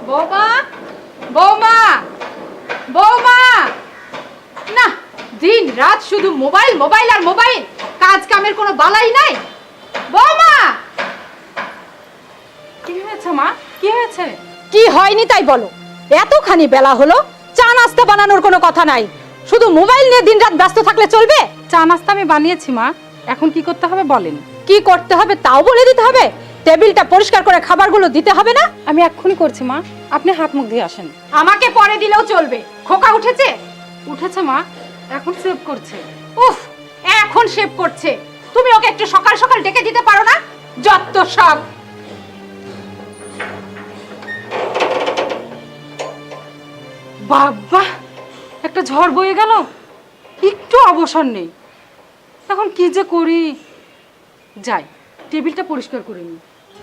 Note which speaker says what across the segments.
Speaker 1: বৌমা, বৌমা, বৌমা, না দিন রাত শুধু মোবাইল মোবাইল আর মোবাইল, কাজ কামের কোনো বালাই নাই। বৌমা, কি হয়েছে মা? কি হয়েছে?
Speaker 2: কি হয়নি তাই বলো। এতখানি বেলা হলো, চা নাস্তা বানানোর কোনো কথা নাই, শুধু মোবাইল নিয়ে দিনরাত ব্যস্ত থাকলে চলবে?
Speaker 1: চা নাস্তা আমি বানিয়েছি মা, এখন কি করতে হবে বলেন?
Speaker 2: কি করতে হবে তাও বলে দিতে হবে? টেবিলটা পরিষ্কার করে খাবারগুলো দিতে হবে না?
Speaker 1: আমি এক্ষুনি করছি মা, আপনি হাত মুখ দিয়ে আসেন।
Speaker 2: আমাকে পরে দিলেও চলবে। খোকা উঠেছে?
Speaker 1: উঠেছে মা, এখন সেভ করছে।
Speaker 2: উফ, এখন শেভ করছে। তুমি ওকে একটু সকাল সকাল ডেকে দিতে পারো না? যত সব।
Speaker 1: বাবা, একটা ঝড় বয়ে গেল, একটু অবসর নেই। এখন কি যে করি, যাই টেবিলটা পরিষ্কার করে নিই।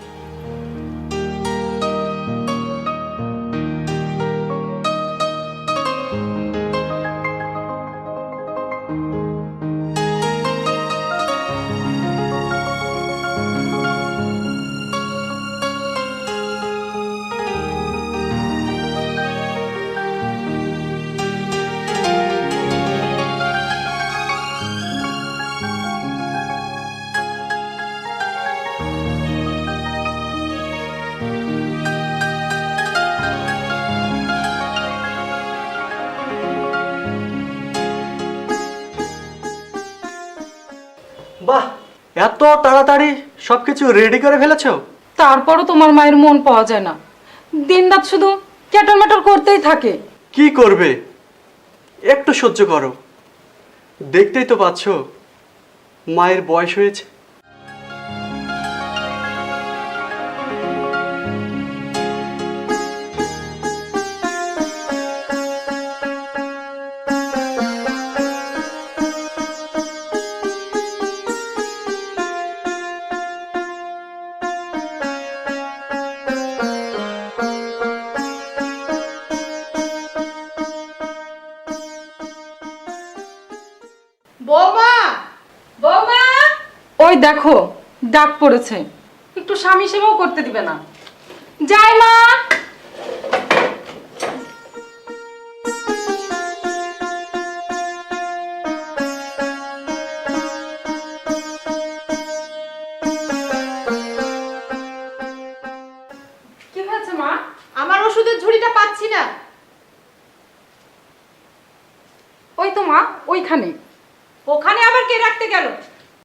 Speaker 3: বাহ, এত তাড়াতাড়ি সবকিছু রেডি করে ফেলেছো?
Speaker 1: তারপরও তোমার মায়ের মন পাওয়া যায় না, দিনরাত শুধু ক্যাটল ম্যাটল করতেই থাকে।
Speaker 3: কি করবে, একটু সহ্য করো। দেখতেই তো পাচ্ছো মায়ের বয়স হয়েছে।
Speaker 1: বৌমা, বৌমা, ওই দেখো ডাক পড়েছে, একটু স্বামী সেবাও করতে দিবে না। যাই মা। কি হয়েছে মা?
Speaker 2: আমার ওষুধের ঝুড়িটা পাচ্ছি না।
Speaker 1: ওই তো মা, ওইখানে।
Speaker 2: ওখানে আবার কে রাখতে গেল?